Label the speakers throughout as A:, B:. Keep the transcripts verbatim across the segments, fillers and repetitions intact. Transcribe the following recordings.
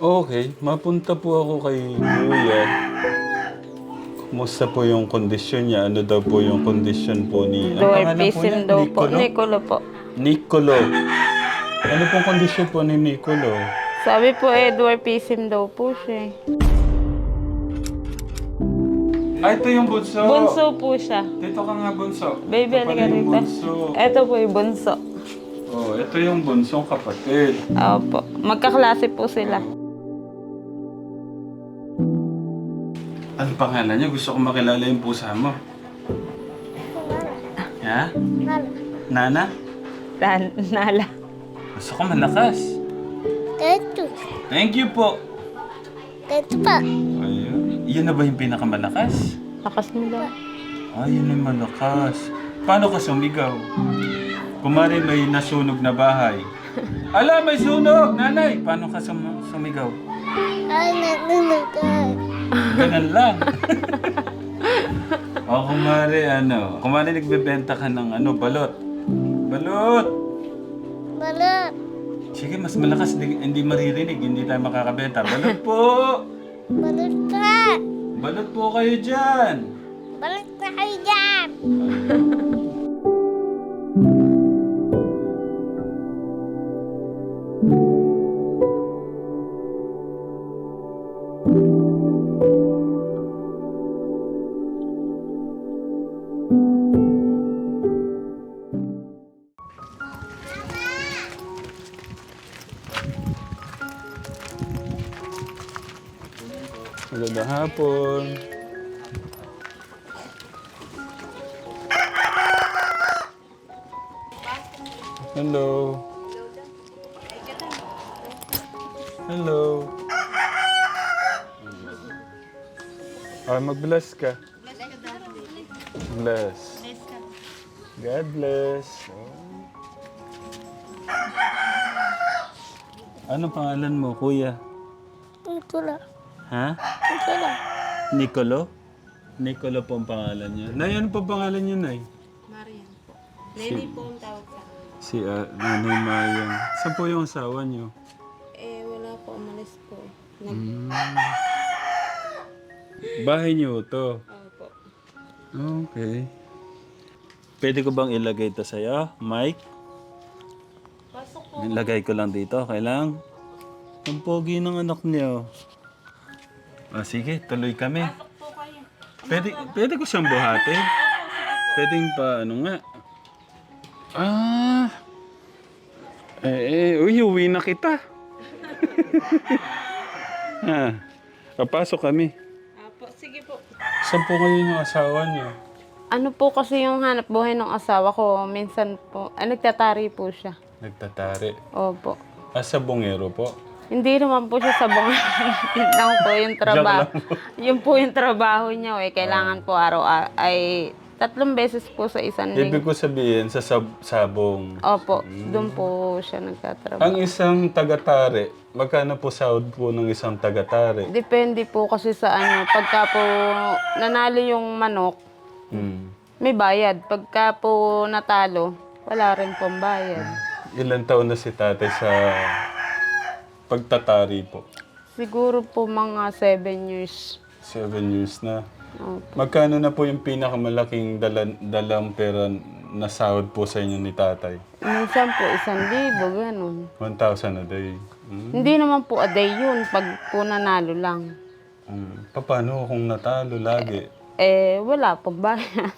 A: Okay, mapunta po ako kay Kuya. Kumusta po yung kondisyon niya? Ano daw po yung kondisyon po ni... Ang pangalan po niya?
B: Dwarfism daw po.
A: Nicolo?
B: Nicolo po.
A: Nicolo. Ano pong kondisyon po ni Nicolo?
B: Sabi po eh, dwarfism daw po siya. eh.
A: Ah, ito yung bunso.
B: Bunso po siya.
A: Dito ka nga, bunso.
B: Baby,
A: Ito pala
B: halika
A: yung
B: rito.
A: bunso.
B: Ito po yung bunso.
A: Oh, ito yung bunsong kapatid.
B: Opo. Magkaklase po sila.
A: Ano pangalan niya? Gusto ko makilala yung pusa mo. Ha? Nana?
B: Dan, Nala.
A: Gusto ko malakas.
C: Ito.
A: Thank you po.
C: Ito pa.
A: Ayun. Yun na ba yung pinakamalakas?
B: Lakas mo daw.
A: Ah, yun yung malakas. Paano ka sumigaw? Kumari may nasunog na bahay. Ala, may sunog! Nanay! Paano ka sum- sumigaw?
C: Ay, nanunugan.
A: Ganun lang. O kumari ano, kumari nagbebenta ka ng ano, balot. Balot!
C: Balot.
A: Sige, mas malakas, di, hindi maririnig, hindi tayo makakabenta. Balot po!
C: Balot pa.
A: Balot po kayo dyan!
C: Balot na kayo dyan.
A: Magandang hapon. Hello. Hello. Ah, mag-bless ka. Bless. God bless. Oh. Anong pangalan mo, kuya?
C: Ito lang.
A: Ha?
C: Ito lang.
A: Nicolo? Nicolo po ang pangalan niya. Nay, ano pa pangalan niya, Nay?
B: Marian po. Lenny po ang tawag sa akin.
A: Si uh, Nanay Mayan. Saan po yung asawa niyo?
B: Eh, wala po. Umalis po. Nag...
A: Hmm. Bahay niyo to?
B: Opo.
A: Okay. Pwede ko bang ilagay ito sa'yo, Mike?
B: Pasok po.
A: Ilagay ko lang dito, okay lang? Ang pogi ng anak niyo. Ah, sige, tuloy kami.
B: Pasok po kayo.
A: Pwede, pwede ko siyang buhatin? Pwedeng pa, ano nga? Ah! Eh, eh, uy, uwi na kita. Ha, papasok kami.
B: Apo, sige po.
A: Saan po kayo yung asawa niyo?
B: Ano po kasi yung hanap buhay ng asawa ko? Minsan po, ah, nagtatari po siya.
A: Nagtatari.
B: Opo.
A: Ah, sa bungero po?
B: Hindi naman po siya sa bunga. Yun lang po yung trabaho. Yun po yung trabaho niya. Eh. Kailangan po araw ay tatlong beses po sa isang
A: Ibig
B: linggo.
A: ko sabihin, sa sab- sabong.
B: Opo, doon po siya nagtatrabaho.
A: Ang isang tagatari, magkano po sahod po ng isang tagatari?
B: Depende po kasi sa ano. Pagka po nanalo yung manok,
A: Hmm.
B: may bayad. Pagka po natalo, wala rin pong bayad.
A: Ilan taon na si tatay sa pagtatari po?
B: Siguro po mga seven years.
A: Seven years na.
B: Opo.
A: Magkano na po yung pinakamalaking dalan, dalang pera na sahod po sa inyo ni tatay?
B: Minsan po isang libo, ganun.
A: one thousand a day. Hmm.
B: Hindi naman po a day yun, pag po nanalo lang.
A: Hmm. Paano kung natalo lagi?
B: Eh, wala pong bayan.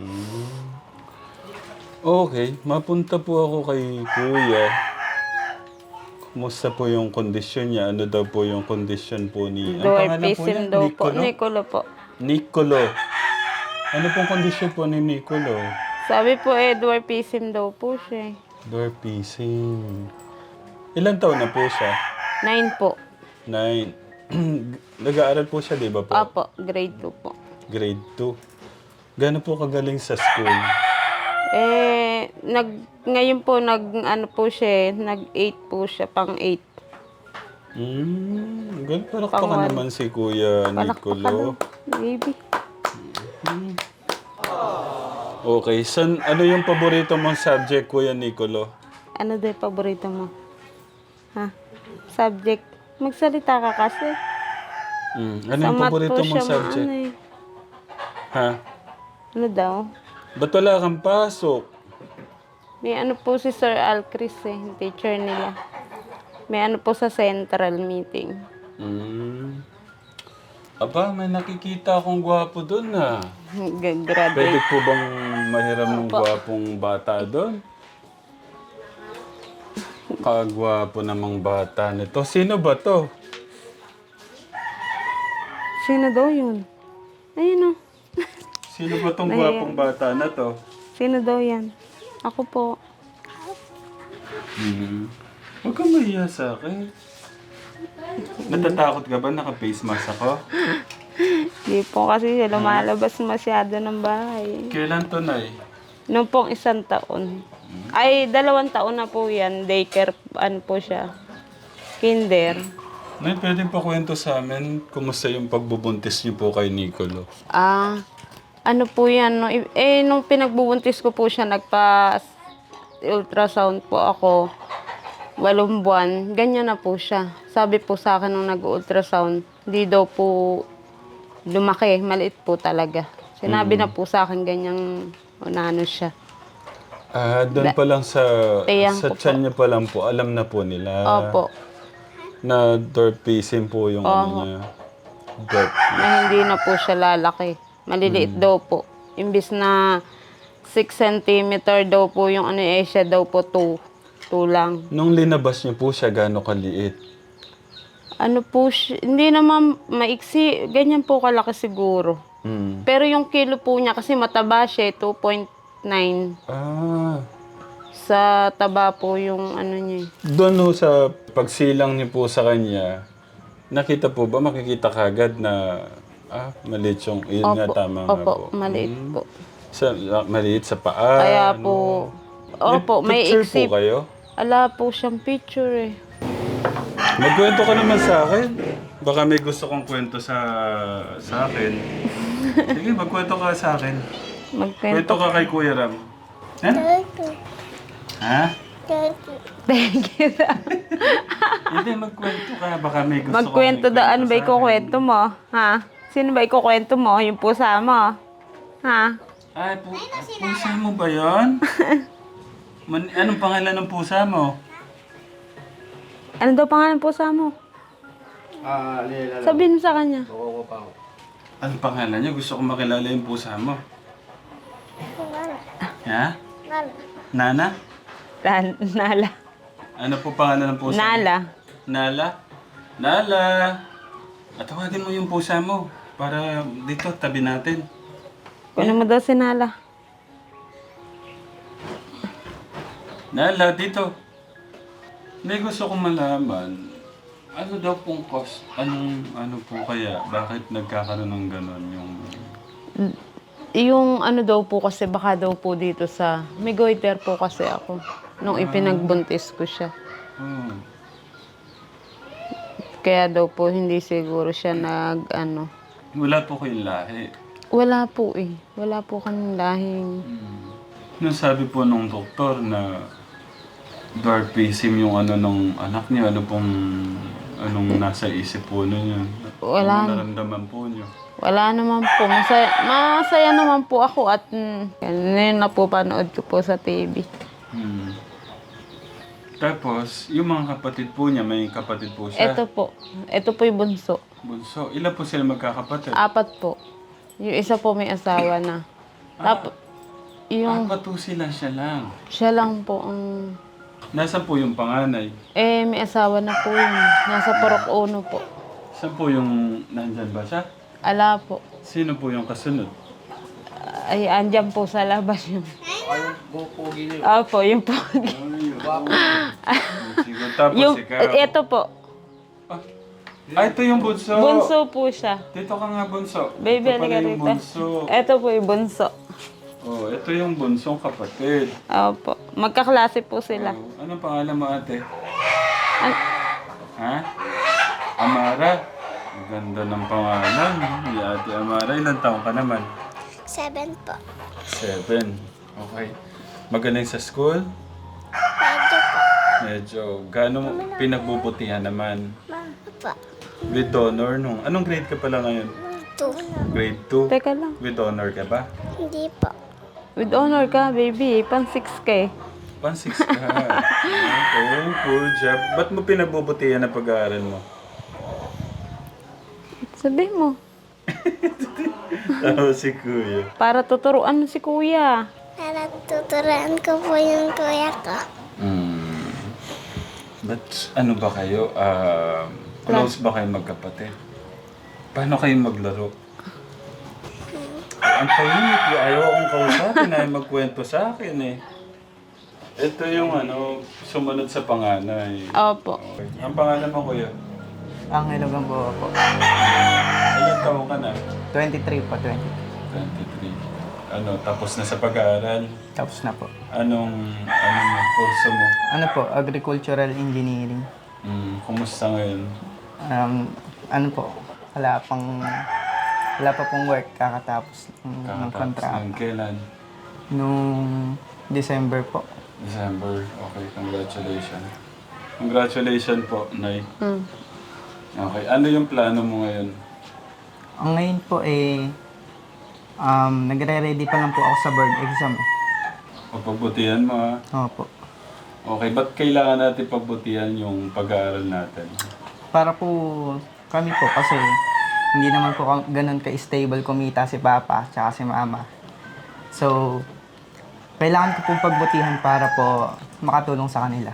A: Okay, mapunta po ako kay Kuya. Kumusta po yung kondisyon niya? Ano daw po yung kondisyon po ni... Ang pangalan po
B: Dwarfism
A: niya?
B: daw po.
A: Nicolo?
B: Nicolo po.
A: Nicolo. Ano pong kondisyon po ni Nicolo?
B: Sabi po eh, dwarfism daw po siya. eh.
A: Dwarfism. Ilan taon na po siya?
B: Nine po.
A: Nine. Nag-aaral po siya, di ba po?
B: Apo, grade two po.
A: Grade two. Gano'n po kagaling sa school?
B: Eh, nag, ngayon po, nag, ano po siya, eh, nag eight po siya, pang eight.
A: Hmm, ganun. Palakpakan
B: Pangwan.
A: naman si Kuya Nicolo.
B: Baby.
A: Okay, san, ano yung paborito mong subject, Kuya Nicolo?
B: Ano daw yung paborito mo? Ha? Subject? Magsalita ka kasi.
A: Mm. Ano
B: Sa
A: yung
B: math
A: paborito
B: po
A: mong
B: siya
A: subject?
B: maano eh.
A: Ha?
B: Ano daw?
A: Ba't wala kang pasok?
B: May ano po si Sir Alcris eh, yung teacher nila. May ano po sa central meeting.
A: Mm. Aba, may nakikita akong gwapo doon ah. Pwede
B: Graduate.
A: po bang mahiram ng gwapong bata doon? Kagwapo namang bata nito. Sino ba to?
B: Sino daw yun? Ayun o.
A: Sino ba tong
B: Nahiya.
A: gwapong bata na to?
B: Sino daw yan? Ako po.
A: Hmm. Huwag kang mahiya sa akin. Natatakot ka ba naka-face mask ako?
B: Di po kasi siya lumalabas masyado ng bahay.
A: Kailan to, Nay?
B: Noong pong isang taon. Ay, dalawang taon na po yan. Daycare, ano po siya. Kinder.
A: Nay, pwedeng pakwento sa amin kumusta yung pagbubuntis niyo po kay Nicolo?
B: Ah, ano po yan. No? Eh, nung pinagbubuntis ko po siya, nagpa-ultrasound po ako. Walong buwan. Ganyan na po siya. Sabi po sa akin nung nag-ultrasound, hindi daw po lumaki. Maliit po talaga. Sinabi na po sa akin ganyang unano siya.
A: Ah, doon pa lang sa
B: Tiyang
A: sa
B: ko
A: tiyan niya pa lang po, alam na po nila
B: Opo.
A: na dwarfism po yung ano niya. Dwarf.
B: Na hindi na po siya lalaki. Maliliit daw po. Imbis na six centimeter daw po yung ano eh, siya daw po two. two lang.
A: Nung linabas niyo po siya, gaano kaliit?
B: Ano po siya, hindi naman maiksi, ganyan po kalaki siguro.
A: Hmm.
B: Pero yung kilo po niya kasi mataba siya, two point nine.
A: Ah.
B: Sa taba po yung ano niya.
A: Doon ho sa pagsilang niyo po sa kanya, nakita po ba, makikita kagad na ah, maliit yung, yun nga tama nga
B: Opo,
A: po.
B: maliit
A: Hmm.
B: po.
A: Sa, ah, maliit sa paa.
B: Kaya
A: ano.
B: po, opo, may
A: picture
B: iksi.
A: po kayo?
B: Ala po siyang picture eh.
A: Magkwento ka naman sa akin. Baka may gusto kong kwento sa sa akin. Sige, magkwento ka sa akin.
B: Magkwento.
A: Kwento ka kay Kuya Ram. Ha?
C: Thank you.
A: Ha?
C: Thank you.
B: Thank you.
A: Hindi, magkwento ka. Baka may gusto
B: Magkwento
A: kong
B: da, ano ba
A: sa akin.
B: ikukwento mo? Ha? Sino ba ikukwento mo? Yung pusa mo? Ha?
A: Ay, pu pusa mo ba yun? Man anong pangalan ng pusa mo?
B: Ano daw pangalan ng pusa mo?
D: Ah, Lela.
B: Sabihin mo sa kanya.
D: Oo pa ako.
A: Anong pangalan niya? Gusto kong makilala yung pusa mo.
C: Nala.
A: Ha?
C: Nala.
A: Nana?
B: Tan- Nala.
A: Ano po pangalan ng pusa mo?
B: Nala.
A: Nala? Nala! At tawagin mo yung pusa mo para dito, tabi natin.
B: Kunin mo daw si Nala.
A: Nala, dito. May gusto kong malaman. Ano daw pong cost? Anong, ano po kaya? Bakit nagkakaroon ng ganon yung...
B: Yung ano daw po kasi baka daw po dito sa... May goiter po kasi ako. Nung ipinagbuntis ko siya.
A: Oh.
B: Kaya daw po hindi siguro siya nag ano.
A: Wala po kayong lahi.
B: Wala po eh. Wala po kaming lahing...
A: Nung sabi po nung doktor na dwarfism yung ano nung anak niya, ano pong anong nasa isip po niya?
B: Wala.
A: Ano naramdaman po niyo?
B: Wala naman po. Masaya, masaya naman po ako at mm, yan na po panood ko po sa T V.
A: Hmm. Tapos, yung mga kapatid po niya, may kapatid po siya.
B: Ito po. Ito po yung bunso.
A: Bunso. Ilan po sila magkakapatid?
B: Apat po. Yung isa po may asawa na. Tapos, yung
A: Apat po sila, siya lang.
B: siya lang po ang...
A: Nasaan po yung panganay?
B: Eh, may asawa na po yun. Nasa Purok Uno po.
A: Saan po yung nandyan ba siya?
B: Ala po.
A: Sino po yung kasunod?
B: Ay, andyan po sa labas yung...
D: Ayun, bupugi niyo.
B: Opo, yung pogi.
A: Siguro tapos
B: Yung,
A: ikaw.
B: ito po.
A: Ah, ah, ito yung bunso.
B: Bunso po siya.
A: Dito ka nga bunso.
B: Baby,
A: ito pala
B: halika
A: yung
B: rito.
A: bunso.
B: Ito po yung bunso.
A: Oh, ito yung bunsong kapatid.
B: Opo. Magkaklase po sila.
A: Oh, anong pangalan mo ate?
B: An-
A: Ha? Amara. Ang ganda ng pangalan. Si ate Amara, ilang taon ka naman?
C: Seven po.
A: Seven. Okay. Magaling sa school?
C: Medyo po.
A: Medyo. Gaano mo pinagbubutihan naman?
C: Ma, po.
A: With honor nung... Anong grade ka pala ngayon?
C: Two.
A: Grade two?
B: Teka lang.
A: With honor ka ba?
C: Hindi po.
B: With honor ka, baby. Pan six ka eh.
A: Pan six ka. Okay, cool job. Ba't mo pinagbubutihan na pag-aaral mo?
B: Sabi mo.
A: Tao si Kuya.
B: Para tuturuan mo si kuya.
C: Para tuturuan ko po yung kuya ko.
A: Hmm. But ano ba kayo? Ah, close ba kayo magkapatid? Paano kayo maglaro? Ang tahimik. Ayaw akong kausapin. Ayaw magkwento sa akin eh. Ito yung ano, sumunod sa panganay.
B: Opo.
A: Okay. Ang pangalan mo, Kuya?
E: Ang Ilogang po po.
A: Ilan taon ka na?
E: twenty-three po, twenty.
A: twenty-three. Ano, tapos na sa pag-aaral?
E: Tapos na po.
A: Anong, ano mo, kurso mo?
E: Ano po, agricultural engineering.
A: Hmm, kumusta ngayon?
E: Um, ano po, wala pang, wala pa pong work kakatapos ng, ng
A: Kakatapos
E: kontrata.
A: ng kailan?
E: Nung December po.
A: December. Okay, congratulations. Congratulations po, Nay.
B: Mm.
A: Okay, ano yung plano mo ngayon?
E: Ang ngayon po eh, um, nagre-ready pa lang po ako sa board exam.
A: Pagbutihan mo ha.
E: Opo.
A: Okay, ba't kailangan natin pagbutihan yung pag-aaral natin?
E: Para po kami po kasi hindi naman po ka- ganun ka-stable kumita si Papa tsaka si Mama. So, kailangan ko pong pagbutihan para po makatulong sa kanila.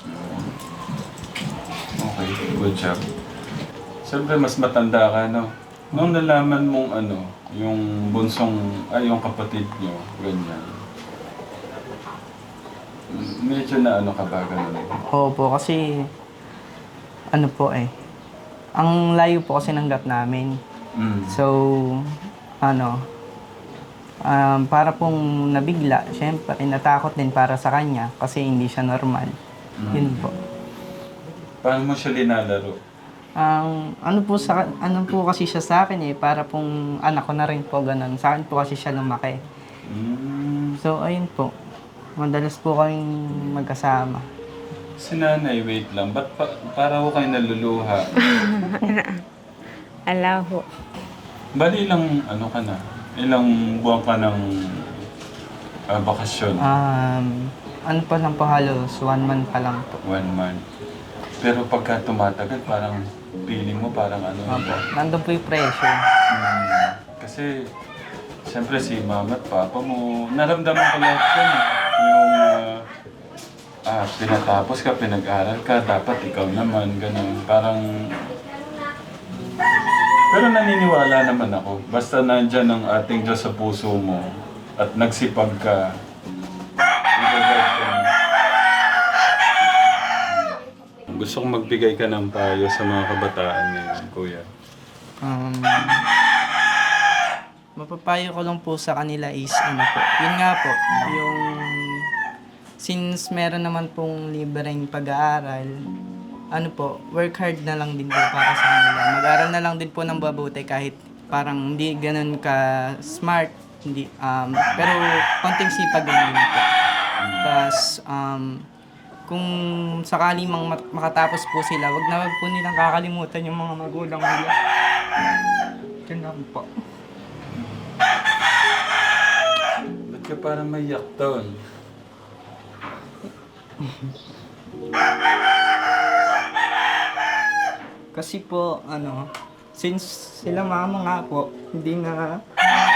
A: Okay, good job. Siyempre, mas matanda ka, no? Nung nalaman mong ano, yung bunsong, ay, yung kapatid nyo, ganyan. Medyo na ano ka ba, ganun?
E: Oo po, kasi ano po eh, ang layo po kasi ng gap namin.
A: Mm.
E: So, ano, um, para pong nabigla, syempre, natakot din para sa kanya kasi hindi siya normal. Yun po.
A: Paano mo siya linalaro?
E: Ang ano po sa ano po kasi siya sa akin eh, para pong anak ko na rin po ganun. Sa akin po kasi siya lumaki.
A: Mm.
E: So, ayun po. Madalas po kaming magkasama.
A: Si nanay, wait lang. Ba't pa, para ko kayo naluluha?
B: Alaho.
A: Bali lang, ano ka na? Ilang buwan ka ng ah, bakasyon?
E: Um, ano pa lang po halos, one month pa lang po.
A: One month. Pero pagka tumatagal, parang feeling mo parang ano.
E: Opo. Nandun po yung pressure.
A: Hmm, kasi, siyempre si mama at papa mo, naramdaman ko lahat yan. eh. Yung, ah, ah, pinatapos ka, pinag-aral ka, dapat ikaw naman, ganun. Parang, pero naniniwala naman ako. Basta nandyan ang ating Diyos sa puso mo at nagsipag ka, i-guide ka na. Gusto kong magbigay ka ng payo sa mga kabataan ngayon, Kuya.
E: Um, mapapayo ko lang po sa kanila is ano po. Yun nga po, yung since meron naman pong libreng pag-aaral, ano po, work hard na lang din po para sa kanila. Mag-aral na lang din po ng mabuti kahit parang hindi ganun ka smart, hindi um pero konting sipag lang din po. Tapos um kung sakali mang mat- makatapos po sila, wag na wag po nilang kakalimutan yung mga magulang nila. Yun lang po.
A: Ba't ka parang maiyak doon?
E: Kasi po, ano, since sila mama nga po, hindi na,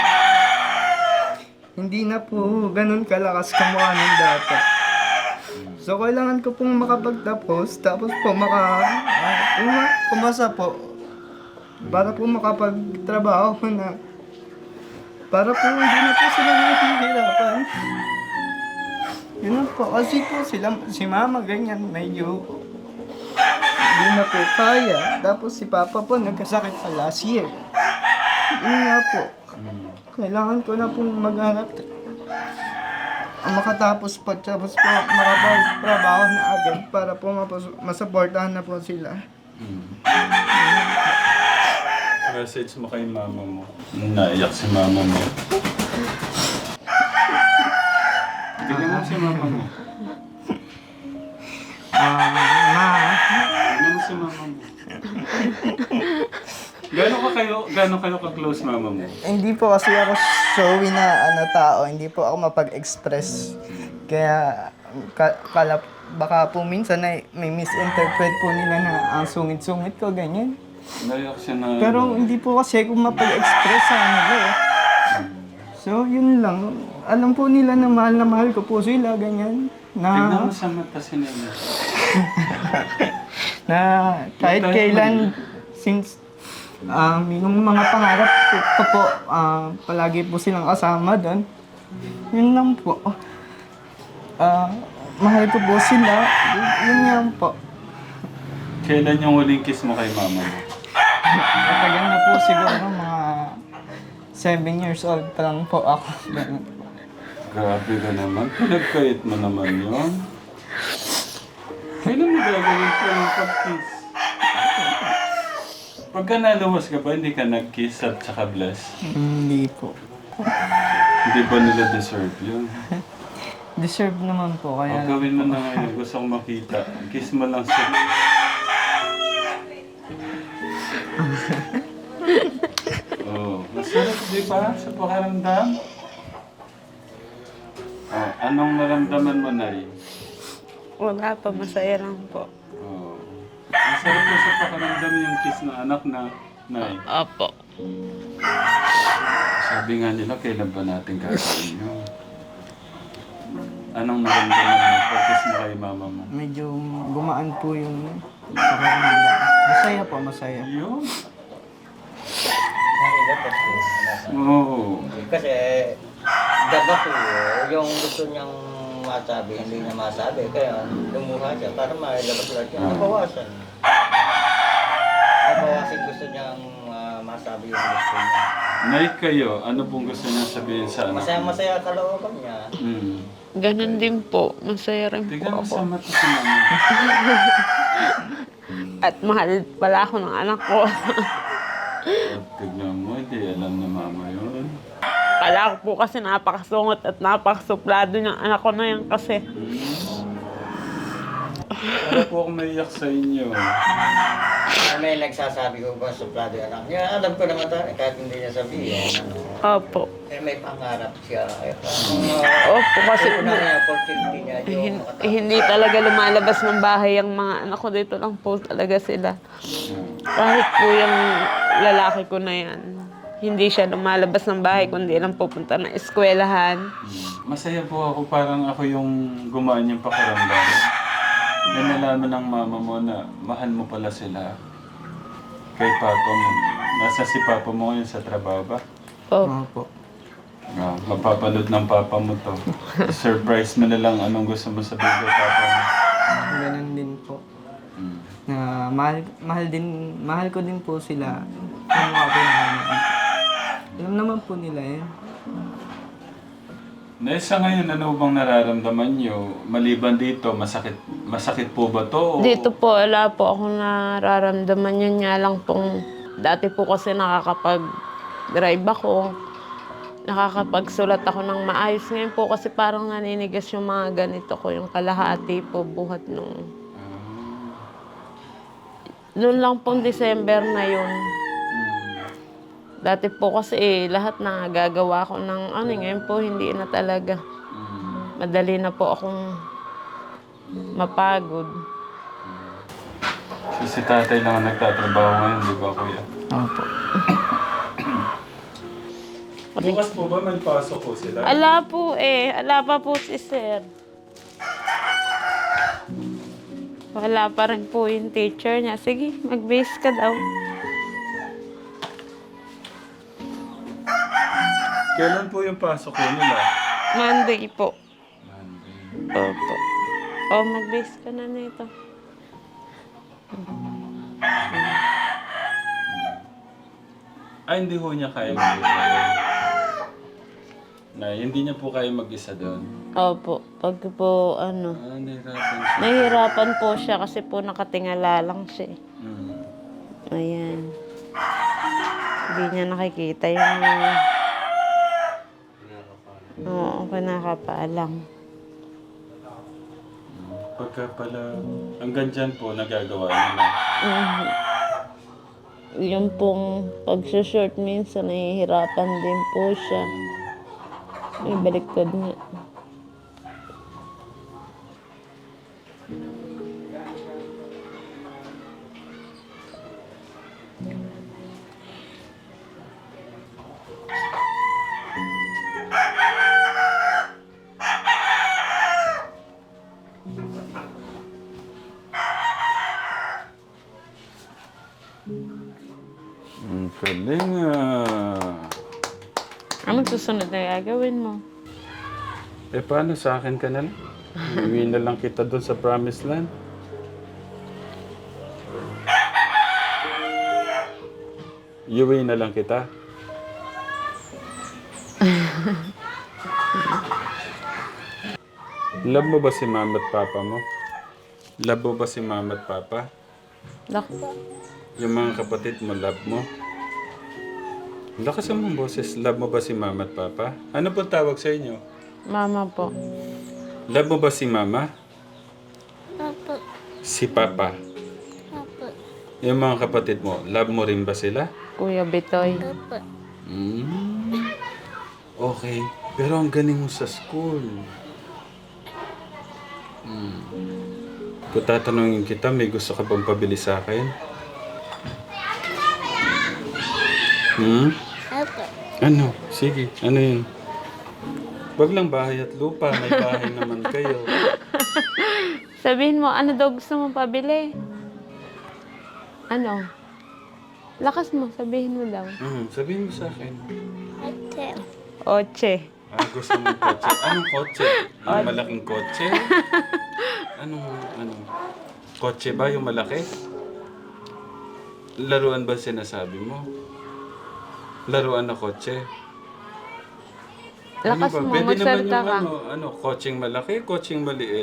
E: hindi na po ganun kalakas kamukha ng dati. So, kailangan ko pong makapagtapos, tapos po maka, uh, uma- umasa po, para po makapagtrabaho ko na, para po hindi na po sila nahihirapan. Yun lang po, kasi po sila, si mama ganyan, medyo, hindi na po kaya. Tapos si Papa po nagkasakit pa last year. Yun nga po. Kailangan ko na pong maghanap. Ang makatapos po, tapos po makapagtrabaho na agad para po mapos- masuportahan na po sila.
A: Hmm. Message mo kay mama mo. Naiyak si mama mo. Tingnan mo si mama mo.
E: Ah, ma,
A: Tingnan mo si mama mo. Gano'n ka kayo, gano'n kayo ka-close mama mo?
E: Hindi po kasi ako showy na ano tao, hindi po ako mapag-express. Kaya ka, kala, baka po minsan ay may misinterpret po nila na ang sungit-sungit ko, ganyan.
A: Naiyak siya na...
E: Pero hindi po kasi ako mapag-express sa nila eh. So, yun lang. Alam po nila na mahal na mahal ko po sila, ganyan.
A: Tignan
E: Na,
A: mo sa mata si Nene.
E: na kahit kailan, since um, yung mga pangarap ko, ko po, ah, palagi po silang kasama doon. Yun lang po. Ah, mahal ko po sila. Yun, yun lang po.
A: Kailan yung huling kiss mo kay mama mo?
E: Matagal na po siguro mga seven years old pa lang po ako. Ganun.
A: Grabe ka naman. Pinagkait mo naman yun. Kailan mo gagawin ko yung pag-kiss? Pagka naluwas ka ba, hindi ka nag-kiss at saka bless?
E: Hindi po.
A: Hindi ba nila deserve yun?
E: Deserve naman po,
A: O,
E: kaya...
A: gawin mo na ngayon. Gusto kong makita. Kiss mo lang sa... Oh, masarap di ba sa pakaramdam? Oh, anong naramdaman mo, Nay?
B: Wala pa, masaya lang po.
A: Oh. Masarap po sa pakaramdam yung kiss ng anak na Nay.
B: Opo.
A: Sabi nga nila, kailan ba natin gagawin yun? Anong naramdaman mo pag-kiss mo kay mama mo?
E: Medyo gumaan po yung pakaramdam. Masaya po, masaya.
A: Yun.
D: Nakilap ako.
A: Oo.
D: Kasi, daba ko, yung gusto niyang masabi, hindi niya masabi. Kaya lumuha siya para mailabas lahat yun. Nabawasan. Nabawasan gusto niyang ah, masabi yung gusto niya.
A: Nay, kayo, ano pong gusto niya sabihin sa anak?
D: Masaya-masaya kalooban niya.
A: Hmm.
B: Ganun din po. Masaya rin
A: Tignan
B: po
A: mo sa
B: ako.
A: mata si mama.
B: At mahal pala ako ng anak ko.
A: At tignan mo, hindi alam na mama yun.
B: Kala ko po kasi napakasungot at napakasuplado niyang anak ko na yan kasi.
A: Para po akong naiyak sa inyo.
D: Ah, may nagsasabi ko ba suplado yung anak niya? Alam ko naman tayo, kahit hindi niya sabihin.
B: Opo.
D: Eh, may pangarap siya. Eh,
B: Opo, kasi
D: Kasi na niya, opportunity niya, yung
B: hin-
D: makatapos.
B: hindi talaga lumalabas ng bahay ang mga anak ko. Dito lang po talaga sila. Kahit po yung lalaki ko na yan, hindi siya lumalabas ng bahay kundi lang pupunta ng eskwelahan.
A: Masaya po ako, parang ako yung gumaan yung pakiramdam. Na nalaman ng mama mo na mahal mo pala sila kay papa mo. Nasa si papa mo ngayon sa trabaho ba?
B: Opo.
E: Opo.
A: Ah, mapapanood ng papa mo to. Surprise mo na lang anong gusto mo sabihin kay papa mo.
E: Ganun din po.
A: Hmm.
E: Na mahal, mahal din, mahal ko din po sila. Yung mga pinangalan. Alam naman po nila yan.
A: Na sa ngayon, ano bang nararamdaman nyo? Maliban dito, masakit masakit po ba to? o-
B: Dito po, wala po ako nararamdaman yun nga lang pong dati po kasi nakakapag-drive ako. Nakakapagsulat ako ng maayos. Ngayon po kasi parang naninigas yung mga ganito ko, yung kalahati po buhat nung... Noon lang pong December na yun. Dati po kasi eh, lahat na gagawa ko ng ano, ngayon po hindi na talaga.
A: Hmm.
B: Madali na po akong mapagod.
A: So, si tatay lang ang nagtatrabaho ngayon, di ba kuya?
E: Opo.
A: Bukas po ba may pasok po sila?
B: Ala po eh, ala pa po si sir. Wala pa rin po yung teacher niya. Sige, mag-base ka daw.
A: Kailan po yung pasok ko nila?
B: Monday po.
A: Monday.
B: Opo. O, mag-base ka na nito.
A: Ay, hindi ho niya kaya mag-isa. Na, hindi niya po kaya mag-isa doon.
B: Opo. Pag po, ano,
A: Ah, nahirapan siya.
B: nahihirapan po siya kasi po nakatingala lang siya. eh.
A: Hmm.
B: Ayan. Hindi niya nakikita yung... Oo, kinakapalang.
A: Pagka pala, hanggang dyan po nagagawa niya na.
B: Mhm. Yung pong pag-short minsan, nahihirapan din po siya. May baliktad nga.
A: Ang galing ah.
B: Anong susunod na gagawin mo?
A: Eh, paano sa akin ka na lang? Iwi na lang kita doon sa promised land. Iwi na lang kita. Love mo ba si mama at papa mo? Love mo ba si mama at papa?
B: Naku.
A: Yung mga kapatid mo, love mo? Lakas ang boses. Love mo ba si mama at papa? Ano po tawag sa inyo?
B: Mama po.
A: Love mo ba si mama?
C: Opo.
A: Si papa?
C: Opo.
A: Yung mga kapatid mo, love mo rin ba sila?
B: Kuya Bitoy.
C: Opo.
A: Mm. Okay. Pero ang galing mo sa school. Mm. Kung tatanungin kita, may gusto ka bang pabili sa akin? Hmm?
C: Opo.
A: Ano? Sige. Ano yun? Wag lang bahay at lupa. May bahay naman kayo.
B: Sabihin mo, ano daw gusto mo pabili? Ano? Lakas mo, sabihin mo daw.
A: Hmm, sabihin mo sa akin.
C: Ate.
B: Oche.
A: Ah, gusto mo kotse? Anong kotse? Yung malaking kotse? Anong, anong? Kotse ba yung malaki? Laruan ba sinasabi mo? Laruan na kotse?
B: Lakas
A: ba?
B: mo,
A: Pwede naman
B: magsalita
A: yung
B: ka.
A: ano, ano, kotseng malaki, kotseng maliit.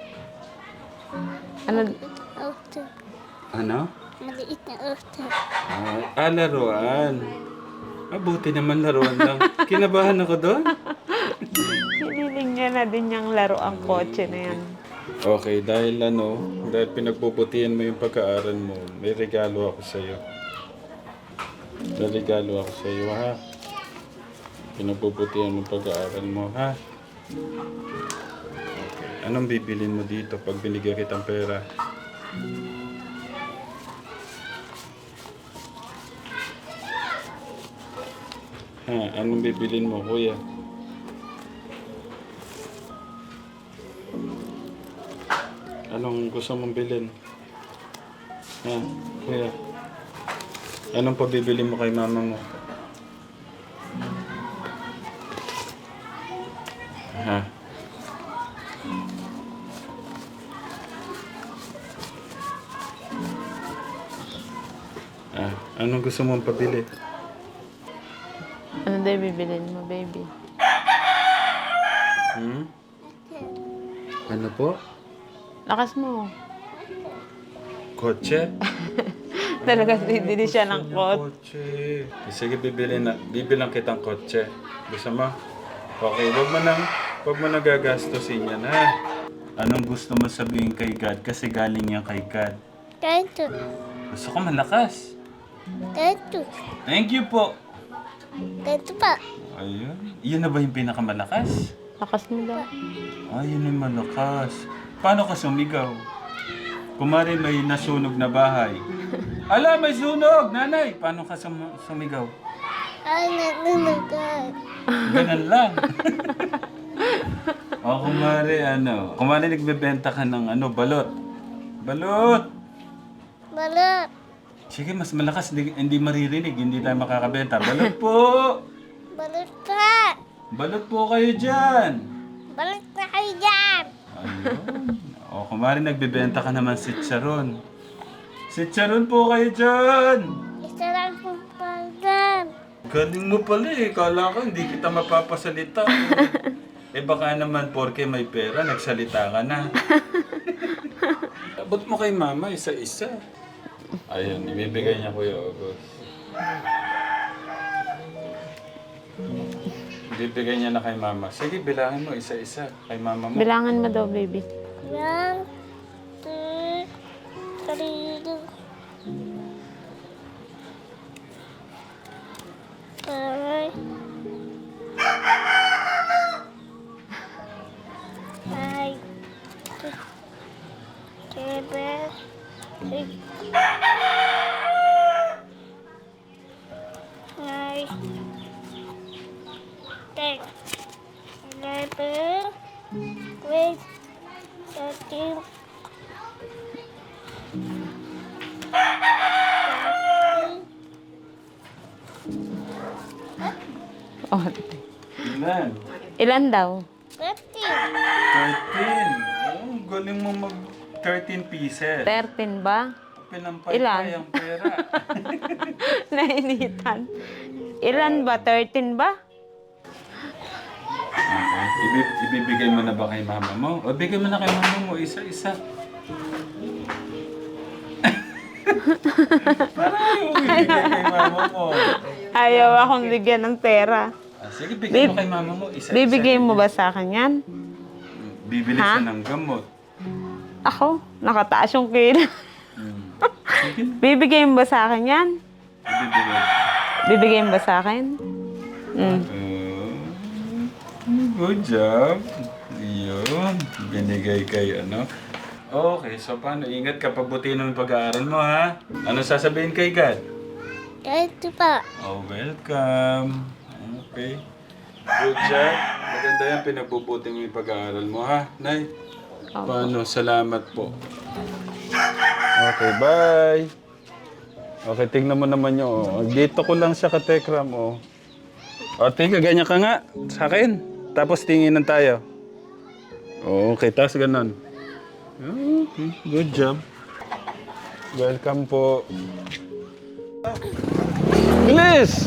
B: Ano?
C: Auto.
A: Ano?
C: Maliit na auto.
A: Ah, ah laruan. Mabuti naman laruan lang. Kinabahan ako doon.
B: Hiniling niya na din yung laro ang kotse na yan.
A: Okay, dahil ano, dahil pinagbubutihan mo yung pag-aaral mo, may regalo ako sa'yo. May regalo ako sa'yo, ha? Pinagbubutihan mo yung pag-aaral mo, ha? Okay. Anong bibilin mo dito pag binigyan kitang pera? Ha? Anong bibilin mo, kuya? Anong gusto mong bilhin? Ha? Kuya? Anong pabibili mo kay mama mo? Ha? Ah, anong gusto mong pabili?
B: Ano daw bibilin mo, baby?
A: Hmm? Ano po?
B: Lakas mo.
A: Kotse?
B: Talaga bibili siya ng kot.
A: Kotse. Sige, bibili na. Bibilang kitang kotse. Gusto mo? Okay, wag mo nang, wag mo nang gagastusin yan, ha? Anong gusto mo sabihin kay God? Kasi galing yan kay God.
C: Ganito.
A: Gusto ko malakas.
C: Ganito.
A: Thank you po.
C: Ganito pa.
A: Ayun. Yun na ba yung pinakamalakas?
B: Lakas mo daw.
A: Ah, yun yung malakas. Paano ka sumigaw? Kumari may nasunog na bahay. Ala, may sunog! Nanay! Paano ka sum- sumigaw?
C: Ay, nanunugan.
A: Ganun lang. O kumari ano, kumari nagbebenta ka ng ano, balot. Balot!
C: Balot.
A: Sige, mas malakas, hindi, hindi maririnig, hindi tayo makakabenta. Balot po!
C: Balot pa.
A: Balot po kayo dyan!
C: Balot na kayo dyan.
A: Ayun. O kumari nagbebenta ka naman si Charon. Si Charon po kayo dyan!
C: Isa lang pong pagdan.
A: Galing mo pala eh. Kala ko hindi kita mapapasalita. Eh baka naman porke may pera, nagsalita ka na. Abot mo kay mama isa-isa. Ayun, ibibigay niya Kuya August. Ibibigay niya na kay mama. Sige, bilangin mo isa-isa kay mama mo.
B: Bilangan mo daw, baby.
C: One, two, three,
B: Onti.
A: Ilan?
B: Ilan daw?
C: thirteen.
A: thirteen. Oh, galing mo mag thirteen pieces.
B: thirteen ba?
A: Pinampay
B: Ilan?
A: pa yung pera.
B: Nainitan. Ilan ba? thirteen ba?
A: Okay. Ibi- ibibigay mo na ba kay mama mo? O bigay mo na kay mama mo, isa-isa. Parang ayaw mo ibigay kay mama mo.
B: Ayaw akong bigyan ng pera.
A: Ah, sige, bigay mo kay mama mo, isa-isa.
B: Bibigay mo ba sa akin yan?
A: Bibili
B: Ha?
A: siya ng gamot.
B: Ako, nakataas yung kilo.
A: Hmm. Sige na.
B: Bibigay mo ba sa akin yan?
A: Ibibigay.
B: Bibigay mo ba sa akin? Mm.
A: Uh, good job. Yun. Binigay kay ano. Okay, so paano? Ingat ka, pagbutihin mo yung pag-aaral mo, ha? Ano sasabihin kay God?
C: Ito pa.
A: Oh, welcome. Okay. Good job. Maganda yan, pinagbubuti mo yung pag-aaral mo, ha? Nay? Paano? Salamat po. Okay, bye. Okay, tingnan mo naman yun. Oh. Dito ko lang siya katekram, oh. O, tingnan, ganyan ka nga sa akin. Tapos tinginan tayo. Okay, tapos ganun. Okay, good job. Welcome po. Bilis!